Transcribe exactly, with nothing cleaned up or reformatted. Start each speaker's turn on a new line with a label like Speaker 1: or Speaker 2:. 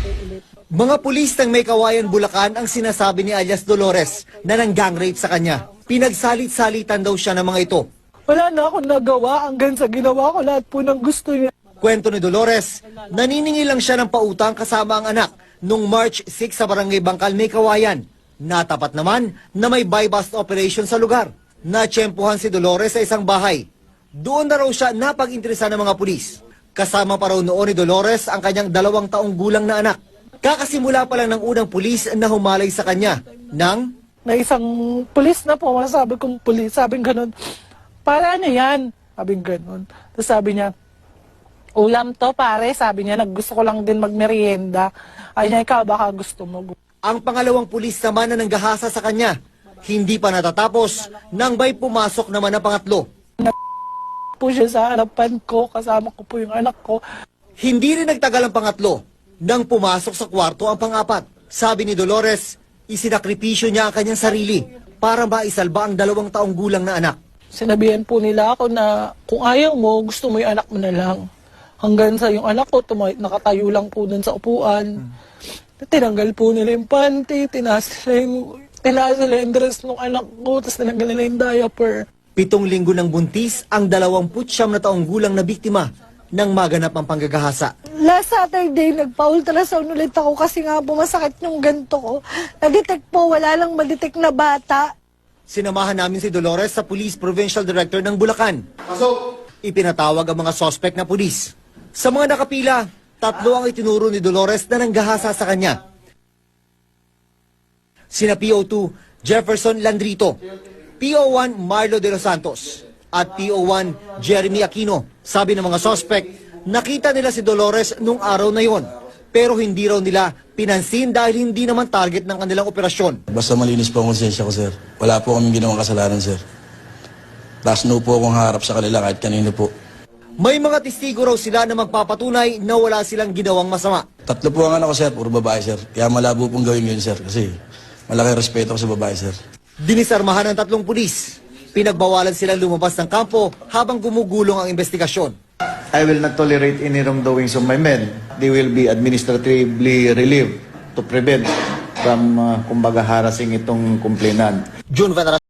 Speaker 1: Mga pulis ng May Kawayan, Bulacan ang sinasabi ni alias Dolores na nang-gang rape sa kanya. Pinagsalit-salitan daw siya ng mga ito.
Speaker 2: Wala na akong nagawa hanggang sa ginawa ko lahat po ng gusto niya.
Speaker 1: Kwento ni Dolores, naniningil lang siya ng pautang kasama ang anak noong March six sa Barangay Bangkal, May Kawayan. Natapat naman na may buy-bust operation sa lugar. Natsyempohan si Dolores sa isang bahay. Doon na raw siya napag-interesa ng mga pulis. Kasama pa raw noon ni Dolores ang kanyang dalawang taong gulang na anak. Kakasimula pa lang ng unang pulis na humalay sa kanya ng...
Speaker 2: Na isang pulis na po, sabi kong pulis, sabi ganun, para ano yan? Sabi ganun. Tapos sabi niya, ulam to pare, sabi niya, naggusto ko lang din magmerienda. Ay niya, ikaw baka gusto mo.
Speaker 1: Ang pangalawang pulis naman na nanggahasa sa kanya, hindi pa natatapos nang may pumasok naman na pangatlo.
Speaker 2: Po siya sa harapan ko, kasama ko po yung anak ko.
Speaker 1: Hindi rin nagtagal ang pangatlo nang pumasok sa kwarto ang pangapat. Sabi ni Dolores, isinakripisyo niya ang kanyang sarili para maisalba ang dalawang taong gulang na anak.
Speaker 2: Sinabihan po nila ako na kung ayaw mo, gusto mo yung anak mo na lang. Hanggang sa yung anak ko, tumay, nakatayo lang po dun sa upuan. Tinanggal po nila yung panty, tinaas nila yung, tinaas nila yung dress ng anak ko, tapos tinanggal nila yung diaper.
Speaker 1: Pitong linggo ng buntis ang dalawamput siyam na taong gulang na biktima ng maganap ang panggagahasa.
Speaker 2: Last Saturday, nagpa-ultrasound ulit ako kasi nga bumasakit yung ganto ko. Nadetect po, wala lang madetect na bata.
Speaker 1: Sinamahan namin si Dolores sa Police Provincial Director ng Bulacan. Ipinatawag ang mga suspect na pulis. Sa mga nakapila, tatlo ang itinuro ni Dolores na nanggahasa sa kanya. Sina P O two Jefferson Landrito, P O one Marlo de los Santos, at P O one Jeremy Aquino. Sabi ng mga suspect, nakita nila si Dolores nung araw na yon, pero hindi raw nila pinansin dahil hindi naman target ng kanilang operasyon.
Speaker 3: Basta malinis po ang konsensya ko, sir. Wala po kaming ginawang kasalanan, sir. Tapos no po akong harap sa kanila kahit kanino po.
Speaker 1: May mga testigo raw sila na magpapatunay na wala silang ginawang masama.
Speaker 3: Tatlo po ang anak ko, sir. Puro babae, sir. Kaya malabo pong gawin yun, sir. Kasi malaki respeto ko sa babae, sir.
Speaker 1: Dinisarmahan ng tatlong pulis. Pinagbawalan silang lumabas ng kampo habang gumugulong ang investigasyon.
Speaker 4: I will not tolerate any wrongdoings of my men. They will be administratively relieved to prevent from, uh, kumbaga, harassing itong complainant.
Speaker 1: June